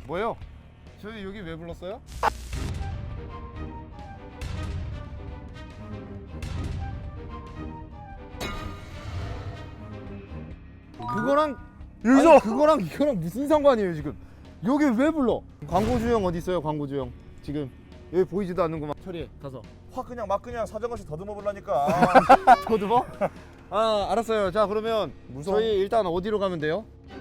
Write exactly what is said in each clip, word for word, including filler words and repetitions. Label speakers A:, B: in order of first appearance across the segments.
A: 뭐요? 저희 여기 왜 불렀어요? 그거랑
B: 여기서
A: 아니, 그거랑 이거랑 무슨 상관이에요 지금? 여기 왜 불러? 광고주형 어디 있어요? 광고주형 지금 여기 보이지도 않는구만. 처리해 가서.
B: 확 그냥 막 그냥 사정없이 더듬어 보려니까.
A: 더듬어? 아 알았어요. 자 그러면
B: 무서워.
A: 저희 일단 어디로 가면 돼요?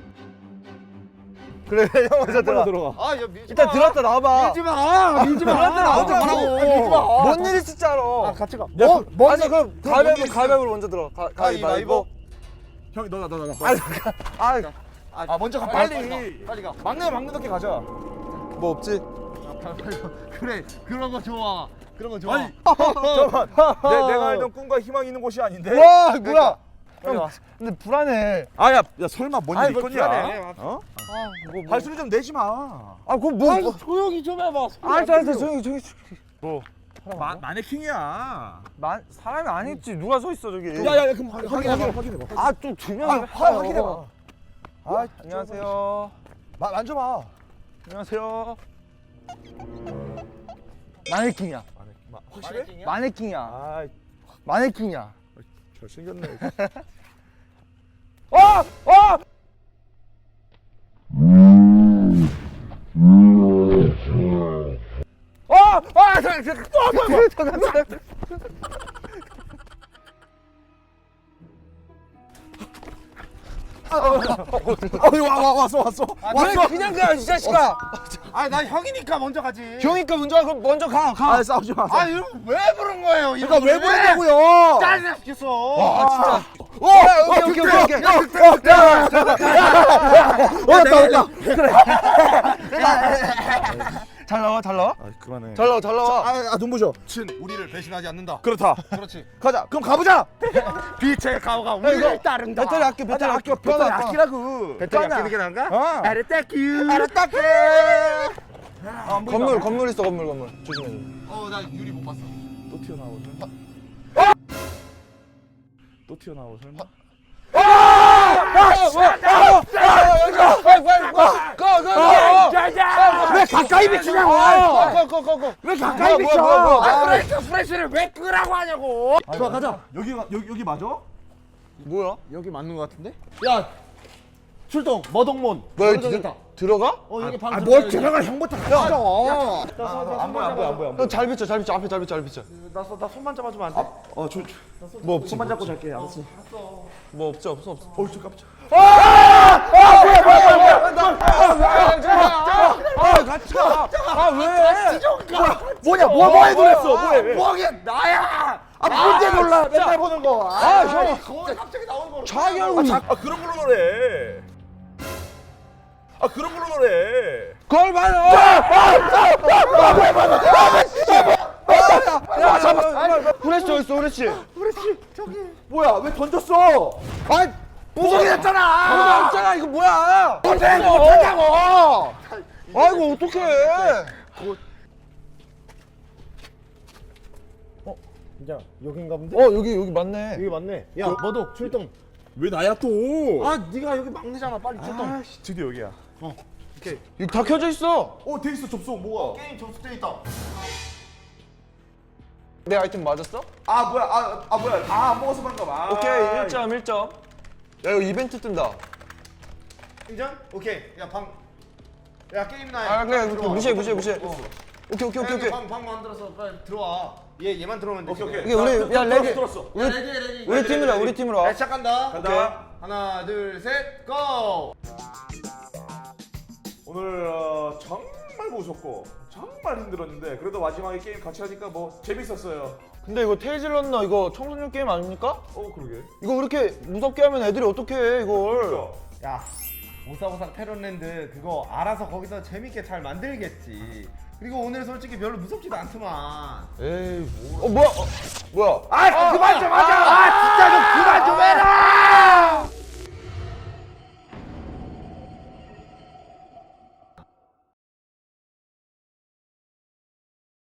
B: 그래 형 먼저 들어.
A: 들어가. 아, 야, 밀지
B: 일단
A: 마.
B: 들어왔다 나와봐.
A: 밀지 마. 밀지 마.
B: 들어왔다 나와봐.
A: 먼저 가라고. 밀지 마.
B: 뭔 일이 진짜 알아.
A: 아, 같이 가.
B: 뭐?
A: 먼저
B: 아니 그럼
A: 그럼
B: 가위바위보
A: 먼저
B: 가위바위보 먼저 들어. 가, 가위바위보.
A: 형이 너나 너나 나.
B: 아,
A: 아,
B: 아 먼저 가
A: 빨리.
B: 빨리.
A: 빨리 가. 빨리 가.
B: 막내 막내답게 가자. 뭐 없지?
A: 아, 빨리, 빨리 가. 그래. 그런 거 좋아. 그런 거 좋아.
B: 아니, 잠깐만. 내 내가 알던 꿈과 희망이 있는 곳이 아닌데.
A: 와, 뭐야?
B: 빨리 와.
A: 근데 불안해.
B: 아야, 야 설마 뭔
A: 아니,
B: 일
A: 뭐
B: 있겠냐?
A: 불안해.
B: 어?
A: 아, 뭐, 뭐.
B: 발소리 좀 내지 마.
A: 아, 그럼 뭐, 뭐. 조용히 좀 해봐.
B: 알았어, 알았어, 조용히, 조용히. 뭐? 마, 마네킹이야.
C: 만 사람이 아니지. 누가 서 있어 저기.
B: 야야야, 그럼 확인, 확인해, 확인해 봐.
C: 아좀 조명이.
B: 아, 화 확인해 봐.
C: 아, 안녕하세요.
B: 마, 만져봐.
C: 안녕하세요. 마네킹이야.
B: 마, 확실해?
C: 마네킹이야.
B: 아,
C: 마네킹이야.
B: 잘생겼네.
C: 어! 어! 어! 아! 저, 저, 저, 저, 저, 저.
B: 어, 와, 와, 왔어, 왔어.
C: 왜 그냥 가, 이 자식아.
A: 아, 나 형이니까 먼저 가지.
C: 형이니까 먼저 가. 그럼 먼저 가. 가.
B: 아, 싸우지 마.
A: 아, 이거 왜 부른 거예요?
B: 그러니까 왜 부르냐고요?
A: 짜증나 죽겠어.
C: 아, 진짜.
B: 어,
C: 오케이, 오케이, 오케이, 오케이.
B: 왔다, 왔다.
C: 잘 나와, 잘 나와.
B: 아, 그만해.
C: 잘 나와, 잘 나와.
B: 아, 아, 눈부셔.
A: 친 우리를 배신하지 않는다.
B: 그렇다.
A: 그렇지.
B: 가자. 그럼 가보자.
A: 빛의 가오가
C: 야,
A: 우리를
C: 이거
A: 따른다.
C: 배터리 아껴, 배터리
B: 아껴,
C: 아껴.
B: 배터리
C: 꺼놔,
B: 아끼라고.
A: 배터리
C: 꺼놔.
A: 아끼는 게 나은가?
B: 어.
A: 아르따큐.
B: 알았다게.
C: 건물, 건물 있어, 건물, 건물. 조심해.
A: 어, 나 유리 못 봤어.
B: 또 튀어나오고 설마. 또 튀어나오고 설마.
A: 왜 가까이 비추냐고? 왜 가까이 비춰? 아, 프레시 프레시를 왜 끄라고 하냐고?
B: 좋아, 가자. 여기가 여기 여기 맞아?
C: 뭐야?
A: 여기 맞는 거 같은데? 야, 출동 머동몬.
C: 뭐야,
A: 여기
C: 들-
A: 있다.
C: 들어가?
A: 어, 여기 방.
B: 아, 뭘 들어가 형부터 가자.
A: 안 보여,
B: 안 보여, 안 보여, 안 보여.
C: 형 잘 비춰, 잘 비춰. 앞에 잘 비춰, 잘 비춰.
A: 나, 나 손만 잡아주면 안 돼?
B: 어, 저,
C: 뭐 없지?
B: 손만 잡고 잘게. 알았어.
C: 뭐 없지, 없어, 없어.
B: 어, 저 깜짝.
C: 아, 같이 가. 아, 왜?
B: 뭐냐? 뭐 뭐에 놀랬어? 뭐해?
A: 뭐게 나야?
B: 아, 뭔데 놀라? 맨날 보는 거.
C: 아, 형.
A: 그거 갑자기 나오는 거.
C: 자기
B: 아,
C: 얼굴.
B: 자, 아 그런 걸로 노래. 아, 그런 걸로 노래.
C: 걸 봐요. 야, 잠깐. 후레쉬 저기 있어, 후레쉬.
B: 뭐야? 왜 던졌어?
C: 아이,
B: 부서게 됐잖아.
C: 아, 없잖아. 이거 뭐야?
B: 어떻게 못하냐고.
C: 아이고, 어떡해.
A: 야, 여긴가 본데?
C: 어, 여기, 여기 맞네.
A: 여기 맞네. 야, 너도 출동.
B: 왜 나야 또?
A: 아, 네가 여기 막내잖아. 빨리 출동.
B: 아, 씨, 드디어 여기야.
A: 오케이.
C: 여기 다 켜져 있어.
B: 어, 돼 있어 접속 뭐가?
A: 게임 접속돼 있다.
C: 내 아이템 맞았어?
B: 아, 뭐야? 아, 아 뭐야? 아, 안 먹어서 그런가 봐.
C: 오케이, 일 점, 일 점. 야, 이거 이벤트 뜬다.
A: 인정? 오케이. 야, 방. 야, 게임 나야.
C: 아, 그래, 그래. 무시해, 무시해, 무시해.
A: 어.
C: 오케이, 오케이, 오케이, 오케이.
A: 방, 방 만들어서 빨리 들어와. 얘 얘만 들어오면 돼.
B: 오케이, 오케이.
C: 이게 우리, 야, 레디.
B: 들었어.
C: 우리,
A: 레디 레디.
C: 우리 팀으로 와, 우리 팀으로 와.
A: 네, 시작한다.
B: 간다.
A: 하나, 둘, 셋, 고!
B: 오늘 어, 정말 무섭고 정말 힘들었는데 그래도 마지막에 게임 같이 하니까 뭐 재밌었어요.
C: 근데 이거 테이즐 런너 이거 청소년 게임 아닙니까?
B: 어, 그러게.
C: 이거 그렇게 무섭게 하면 애들이 어떻게 해, 이걸.
B: 그러니까.
A: 야, 오사오사 테론랜드 그거 알아서 거기서 재밌게 잘 만들겠지. 그리고 오늘 솔직히 별로 무섭지도 않더만.
C: 에이, 뭐. 어, 뭐야? 어, 뭐야?
A: 아, 그만 좀 하자. 아, 진짜 좀 그만 좀 해라.